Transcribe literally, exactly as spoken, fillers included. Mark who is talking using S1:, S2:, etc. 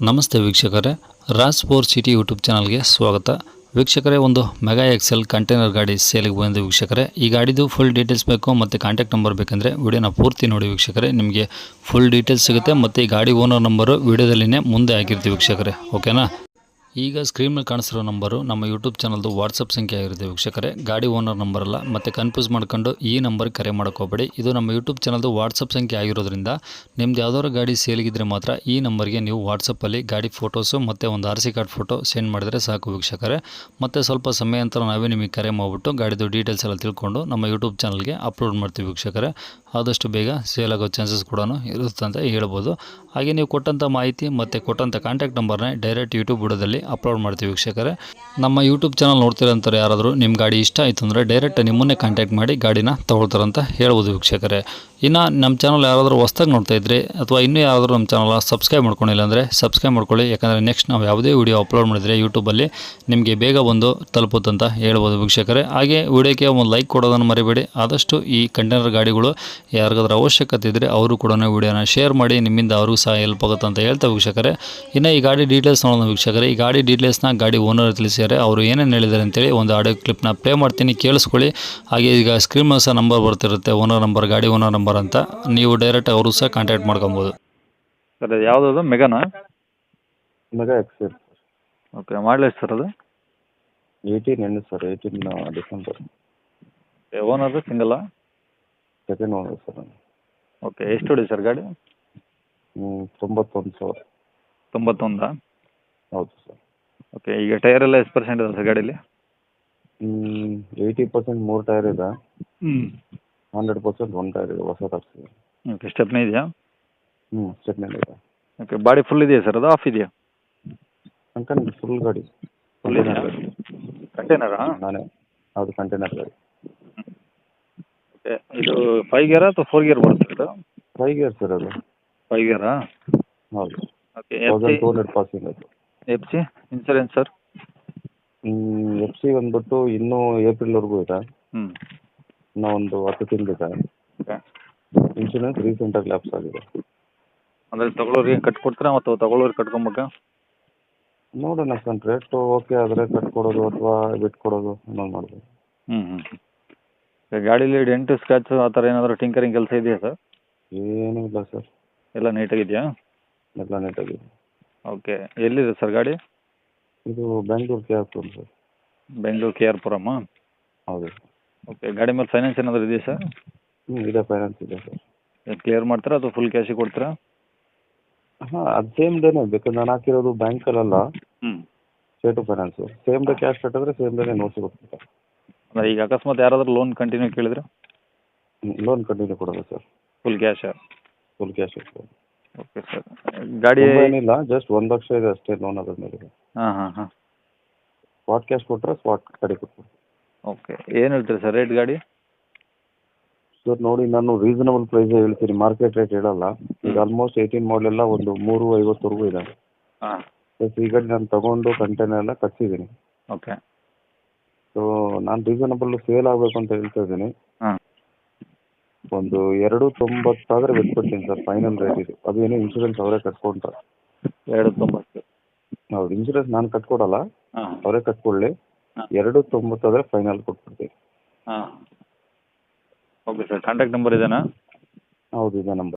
S1: ನಮಸ್ತೆ ವೀಕ್ಷಕರೇ, Raj four city YouTube ಚಾನಲ್ಗೆ ಸ್ವಾಗತ. ವೀಕ್ಷಕರೇ, ಒಂದು ಮೆಗಾ ಎಕ್ಸೆಲ್ ಕಂಟೈನರ್ ಗಾಡಿ ಸೇಲಿಗೆ ಬಂದಿದೆ ವೀಕ್ಷಕರೇ. ಈ ಗಾಡಿದು ಫುಲ್ ಡೀಟೇಲ್ಸ್ ಬೇಕು ಮತ್ತು ಕಾಂಟ್ಯಾಕ್ಟ್ ನಂಬರ್ ಬೇಕಂದರೆ ವಿಡಿಯೋನ ಪೂರ್ತಿ ನೋಡಿ ವೀಕ್ಷಕರೇ. ನಿಮಗೆ ಫುಲ್ ಡೀಟೇಲ್ಸ್ ಸಿಗುತ್ತೆ ಮತ್ತು ಈ ಗಾಡಿ ಓನರ್ ನಂಬರು ವಿಡಿಯೋದಲ್ಲಿನೇ ಮುಂದೆ ಹಾಕಿರ್ತೀವಿ ವೀಕ್ಷಕರೇ, ಓಕೆನಾ. ಈಗ ಸ್ಕ್ರೀನ್ ಮೇಲೆ ಕಾಣಿಸಿರೋ ನಂಬರು ನಮ್ಮ ಯೂಟ್ಯೂಬ್ ಚಾನಲ್ದು ವಾಟ್ಸಪ್ ಸಂಖ್ಯೆ ಆಗಿರುತ್ತೆ ವೀಕ್ಷಕರೇ. ಗಾಡಿ ಓನರ್ ನಂಬರ್ ಅಲ್ಲ, ಮತ್ತು ಕನ್ಫ್ಯೂಸ್ ಮಾಡ್ಕೊಂಡು ಈ ನಂಬರ್ಗೆ ಕರೆ ಮಾಡೋಕ್ಕೋಗಬೇಡಿ. ಇದು ನಮ್ಮ ಯೂಟ್ಯೂಬ್ ಚಾನಲ್ದು ವಾಟ್ಸಪ್ ಸಂಖ್ಯೆ ಆಗಿರೋದ್ರಿಂದ ನಿಮ್ದು ಯಾವ್ದಾದ್ರು ಗಾಡಿ ಸೇಲಿಗಿದ್ರೆ ಮಾತ್ರ ಈ ನಂಬರ್ಗೆ ನೀವು ವಾಟ್ಸಪ್ಪಲ್ಲಿ ಗಾಡಿ ಫೋಟೋಸು ಮತ್ತು ಒಂದು R C card photo send ಮಾಡಿದರೆ ಸಾಕು ವೀಕ್ಷಕರೇ. ಮತ್ತು ಸ್ವಲ್ಪ ಸಮಯ ನಂತರ ನಾವೇ ನಿಮಗೆ ಕರೆ ಮಾಡಿಬಿಟ್ಟು ಗಾಡಿದು ಡೀಟೇಲ್ಸ್ ಎಲ್ಲ ತಿಳ್ಕೊಂಡು ನಮ್ಮ ಯೂಟ್ಯೂಬ್ ಚಾನಲ್ಗೆ ಅಪ್ಲೋಡ್ ಮಾಡ್ತೀವಿ ವೀಕ್ಷಕರೇ. ಆದಷ್ಟು ಬೇಗ ಸೇಲ್ ಆಗೋ ಚಾನ್ಸಸ್ ಕೂಡ ಇರುತ್ತೆ ಅಂತ ಹೇಳ್ಬೋದು. ಹಾಗೆ ನೀವು ಕೊಟ್ಟಂಥ ಮಾಹಿತಿ ಮತ್ತು ಕೊಟ್ಟಂಥ ಕಾಂಟ್ಯಾಕ್ಟ್ ನಂಬರ್ನೇ ಡೈರೆಕ್ಟ್ ಯೂಟ್ಯೂಬ್ ವಿಡಿಯೋದಲ್ಲಿ ಅಪ್ಲೋಡ್ ಮಾಡ್ತೀವಿ ವೀಕ್ಷಕರೇ. ನಮ್ಮ ಯೂಟ್ಯೂಬ್ ಚಾನಲ್ ನೋಡ್ತಿರೋಂಥವ್ರು ಯಾರಾದರೂ ನಿಮ್ಮ ಗಾಡಿ ಇಷ್ಟ ಆಯಿತು ಅಂದರೆ ಡೈರೆಕ್ಟ್ ನಿಮ್ಮನ್ನೇ ಕಾಂಟ್ಯಾಕ್ಟ್ ಮಾಡಿ ಗಾಡಿನ ತೊಗೊಳ್ತಾರಂತ ಹೇಳ್ಬೋದು ವೀಕ್ಷಕರೇ. ಇನ್ನು ನಮ್ಮ ಚಾನಲ್ ಯಾರಾದರೂ ಹೊಸ್ದಾಗಿ ನೋಡ್ತಾ ಇದ್ದರೆ ಅಥವಾ ಇನ್ನೂ ಯಾರಾದರೂ ನಮ್ಮ ಚಾನಲ್ ಸಬ್ಸ್ಕ್ರೈಬ್ ಮಾಡ್ಕೊಂಡಿಲ್ಲ ಅಂದರೆ ಸಬ್ಸ್ಕ್ರೈಬ್ ಮಾಡ್ಕೊಳ್ಳಿ. ಯಾಕಂದರೆ ನೆಕ್ಸ್ಟ್ ನಾವು ಯಾವುದೇ ವೀಡಿಯೋ ಅಪ್ಲೋಡ್ ಮಾಡಿದರೆ ಯೂಟ್ಯೂಬಲ್ಲಿ ನಿಮಗೆ ಬೇಗ ಬಂದು ತಲುಪುತ್ತಂತ ಹೇಳ್ಬೋದು ವೀಕ್ಷಕರೇ. ಹಾಗೆ ವಿಡಿಯೋಕ್ಕೆ ಒಂದು ಲೈಕ್ ಕೊಡೋದನ್ನು ಮರಿಬೇಡಿ. ಆದಷ್ಟು ಈ ಕಂಟೈನರ್ ಗಾಡಿಗಳು ಯಾರಿಗಾದ್ರೂ ಅವಶ್ಯಕತೆ ಇದ್ದರೆ ಅವರು ಕೂಡ ವಿಡಿಯೋನ ಶೇರ್ ಮಾಡಿ, ನಿಮ್ಮಿಂದ ಅವ್ರಿಗೂ ಸಹ ಹೆಲ್ಪ್ ಆಗುತ್ತೆ ಅಂತ ಹೇಳ್ತಾ ವೀಕ್ಷಕರೇ. ಇನ್ನು ಈ ಗಾಡಿ ಡೀಟೇಲ್ಸ್ ನೋಡೋಣ ವೀಕ್ಷಕರೇ. ಈ ಗಾಡಿ ಡೀಟೇಲ್ಸ್ನ ಗಾಡಿ ಓನರ್ ತಿಳಿಸಿದ್ದಾರೆ. ಅವರು ಏನೇನು ಹೇಳಿದ್ದಾರೆ ಅಂತೇಳಿ ಒಂದು ಆಡಿಯೋ ಕ್ಲಿಪ್ನ ಪ್ಲೇ ಮಾಡ್ತೀನಿ, ಕೇಳಿಸ್ಕೊಳ್ಳಿ. ಹಾಗೆ ಈಗ ಸ್ಕ್ರೀನ್ ಮೇಲೆ ಸಹ ನಂಬರ್ ಬರ್ತಿರುತ್ತೆ, ಓನರ್ ನಂಬರ್, ಗಾಡಿ ಓನರ್ ನಂಬರ್ ಅಂತ. ನೀವು ಡೈರೆಕ್ಟ್ ಅವರು ಸಹ ಕಾಂಟ್ಯಾಕ್ಟ್ ಮಾಡ್ಕೊಬೋದು.
S2: ಸರ್ ಅದು ಯಾವುದದು ಮೆಗಾನಾ?
S3: ಮೆಗಾ ಎಕ್ಸೆಲ್
S2: ಓಕೆ, ಮಾಡಲಿ ಸರ್ ಅದು
S3: eighteen end sir, eighteen December.
S2: Owner ಸಿಂಗಲ್ಲ?
S3: Second owner sir.
S2: ಓಕೆ, ಎಷ್ಟು ಹೊಡಿ ಸರ್ ಗಾಡಿ?
S3: ಹ್ಞೂ ತೊಂಬತ್ತೊಂದು ಸಾವಿರ.
S2: ತೊಂಬತ್ತೊಂದಾ?
S3: ಹೌದು ಸರ್.
S2: ಓಕೆ, ಈಗ ಟೈರ್ ಎಲ್ಲ ಎಷ್ಟು ಪರ್ಸೆಂಟ್ ಇದೆ ಸರ್ ಗಾಡೀಲಿ?
S3: ಏಯ್ಟಿ ಪರ್ಸೆಂಟ್ ಮೂರು ಟೈರ್ ಇದೆ,
S2: ಹ್ಞೂ.
S3: ಹಂಡ್ರೆಡ್ ಪರ್ಸೆಂಟ್ ಒಂದು ಟೈರ್ ಇದೆ, ಹೊಸ ತರಿಸಿದೆ.
S2: ಓಕೆ, ಸ್ಟೆಪ್ನೇ ಇದೆಯಾ?
S3: ಹ್ಞೂ, ಸ್ಟೆಪ್ನಲ್ಲಿ ಇದೆ.
S2: ಓಕೆ, ಬಾಡಿ ಫುಲ್ ಇದೆಯಾ ಸರ್, ಅದು ಆಫ್ ಇದೆಯಾ?
S3: ಅಂಕಲ್ ಫುಲ್ ಗಾಡಿ.
S2: ಫುಲ್ ಇದೆಯಾ? ಕಂಟೈನರಾ?
S3: ನಾನೇ, ಹೌದು ಕಂಟೈನರ್ ಗಾಡಿ.
S2: ಓಕೆ, ಇದು ಫೈವ್ ಗೇರಾ ಅಥವಾ ಫೋರ್ ಗೇರ್ ಬರುತ್ತೆ ಇದು?
S3: ಫೈವ್ ಗೇರ್ ಸರ್ ಅದು.
S2: ಫೈವ್ ಗೇರಾ?
S3: ಹೌದು.
S2: Okay,
S3: thousand two hundred passing ಅದು.
S2: F C insurance sir?
S3: F C ಬಂದ್ಬಿಟ್ಟು ಇನ್ನೂ ಏಪ್ರಿಲ್ವರೆಗೂ ಇದೆ,
S2: ಹ್ಞೂ.
S3: ಇನ್ನೂ ಒಂದು ಹತ್ತು ತಿಂಗಳಿದೆ.
S2: ಓಕೆ,
S3: ಇನ್ಶೂರೆನ್ಸ್ ರೀಸೆಂಟಾಗಿ ಲ್ಯಾಪ್ಸ್ ಆಗಿದೆ.
S2: ಅಂದರೆ ತಗೊಳ್ಳೋರಿಗೆ ಕಟ್ಕೊಡ್ತೀರಾ ಮತ್ತು ತಗೊಳ್ಳೋರಿಗೆ ಕಟ್ಕೊಬೇಕಾ?
S3: ನೋಡೋಣ ಸರ್, ರೇಟು ಓಕೆ ಆದರೆ ಕಟ್ಕೊಡೋದು ಅಥವಾ ಬಿಟ್ಕೊಡೋದು ಅನ್ನೋದು ಮಾಡ್ಬೋದು.
S2: ಹ್ಞೂ ಹ್ಞೂ ಹ್ಞೂ ಗಾಡೀಲಿ ಡೆಂಟು ಸ್ಕ್ರ್ಯಾಚು ಆ ಥರ ಏನಾದರೂ ಟಿಂಕರಿಂಗ್ ಕೆಲಸ ಇದೆಯಾ ಸರ್?
S3: ಏನೂ ಇಲ್ಲ ಸರ್,
S2: ಎಲ್ಲ ನೀಟಾಗಿದೆಯಾ?
S3: ಎಲ್ಲ ನೀಟಾಗಿದೆ.
S2: ಓಕೆ, ಎಲ್ಲಿದೆ ಸರ್ ಗಾಡಿ?
S3: ಇದು ಬೆಂಗಳೂರು ಕೆ ಆರ್ ಪುರಂ ಸರ್.
S2: ಬೆಂಗಳೂರು ಕೆ ಆರ್ ಪುರಮ್ಮ?
S3: ಹೌದು.
S2: ಓಕೆ, ಗಾಡಿ ಮೇಲೆ ಫೈನಾನ್ಸ್ ಏನಾದರೂ ಇದೆಯಾ ಸರ್?
S3: ಹ್ಞೂ ಇದೆ, ಫೈನಾನ್ಸ್ ಇದೆ ಸರ್.
S2: ಕ್ಲಿಯರ್ ಮಾಡ್ತೀರಾ ಅಥವಾ ಫುಲ್ ಕ್ಯಾಶಿಗೆ ಕೊಡ್ತೀರಾ?
S3: ಹಾಂ, ಅದು ಸೇಮ್ ಡೇನೇ, ಬೇಕಾದ್ರೆ ನಾನು ಹಾಕಿರೋದು ಬ್ಯಾಂಕಲ್ಲ,
S2: ಹ್ಞೂ.
S3: State finance. Same day cash ಕಟ್ಟಿದ್ರೆ ಸೇಮ್ ಡೇನೇ ನೋಟ್ಸ್ ಕೊಡ್ತೀನಿ.
S2: ಅಂದರೆ ಈಗ ಅಕಸ್ಮಾತ್ ಯಾರಾದರೂ ಲೋನ್ ಕಂಟಿನ್ಯೂ ಕೇಳಿದ್ರೆ?
S3: ಲೋನ್ ಕಂಟಿನ್ಯೂ ಕೊಡೋದು ಸರ್.
S2: ಫುಲ್ ಕ್ಯಾಶಾ?
S3: ಫುಲ್ ಕ್ಯಾಶ್ ಇರ್ತದೆ.
S2: Okay sir. ಗಾಡಿ
S3: ಏನಿಲ್ಲ, ಜಸ್ಟ್ ಒಂದು ಲಕ್ಷ ಇದೆ ಅಷ್ಟೇ ಲೋನ್ ಅದ್ರ ಮೇಲೆ.
S2: ಹಾಂ ಹಾಂ ಹಾಂ
S3: ಸ್ಪಾಟ್ ಕ್ಯಾಶ್ ಕೊಟ್ಟರೆ ಸ್ಪಾಟ್ ಗಾಡಿ ಕೊಡ್ತೀನಿ.
S2: ಓಕೆ, ಏನು ಹೇಳ್ತೀರಿ ಸರ್ ರೇಟ್ ಗಾಡಿ?
S3: ಸರ್ ನೋಡಿ, ನಾನು ರೀಸನಬಲ್ ಪ್ರೈಸೇ ಹೇಳ್ತೀನಿ, ಮಾರ್ಕೆಟ್ ರೇಟ್ ಹೇಳಲ್ಲ. ಈಗ ಆಲ್ಮೋಸ್ಟ್ ಏಯ್ಟೀನ್ ಮಾಡಲೆಲ್ಲ ಒಂದು ಮೂರು ಐವತ್ತವರೆಗೂ ಇದೆ.
S2: ಹಾಂ.
S3: ಪ್ಲಸ್ ಈ ಗಾಡಿ ನಾನು ತೊಗೊಂಡು ಕಂಟೈನರ್ ಎಲ್ಲ ಕಟ್ಸಿದ್ದೀನಿ.
S2: ಓಕೆ.
S3: ಸೊ ನಾನು ರೀಸನಬಲ್ ಸೇಲ್ ಆಗಬೇಕು ಅಂತ ಹೇಳ್ತಾ ಇದ್ದೀನಿ.
S2: ಹಾಂ.
S3: ಒಂದು ಎರಡು ತೊಂಬತ್ತಾದರೆ ಬಿಟ್ಬಿಡ್ತೀನಿ ಸರ್, ಫೈನಲ್ ರೇಟ್ ಇದು. ಅದು ಏನೋ ಇನ್ಶೂರೆನ್ಸ್ ಅವರೇ ಕಟ್ಕೊಂಡ್ರೆ.
S2: ಎರಡು ತೊಂಬತ್ತು?
S3: ಹೌದು, ಇನ್ಶೂರೆನ್ಸ್ ನಾನು ಕಟ್ಕೊಡಲ್ಲ,
S2: ಹಾಂ.
S3: ಅವರೇ ಕಟ್ಕೊಳ್ಳಿ.
S2: ಹಾಂ.
S3: ಎರಡು ತೊಂಬತ್ತಾದರೆ ಫೈನಲ್ ಕೊಟ್ಬಿಡ್ತೀನಿ.
S2: ಹಾಂ. ಓಕೆ ಸರ್, ಕಾಂಟ್ಯಾಕ್ಟ್ ನಂಬರ್ ಇದೇನಾ?
S3: ಹೌದು, ಇದೆ ನಂಬರ್.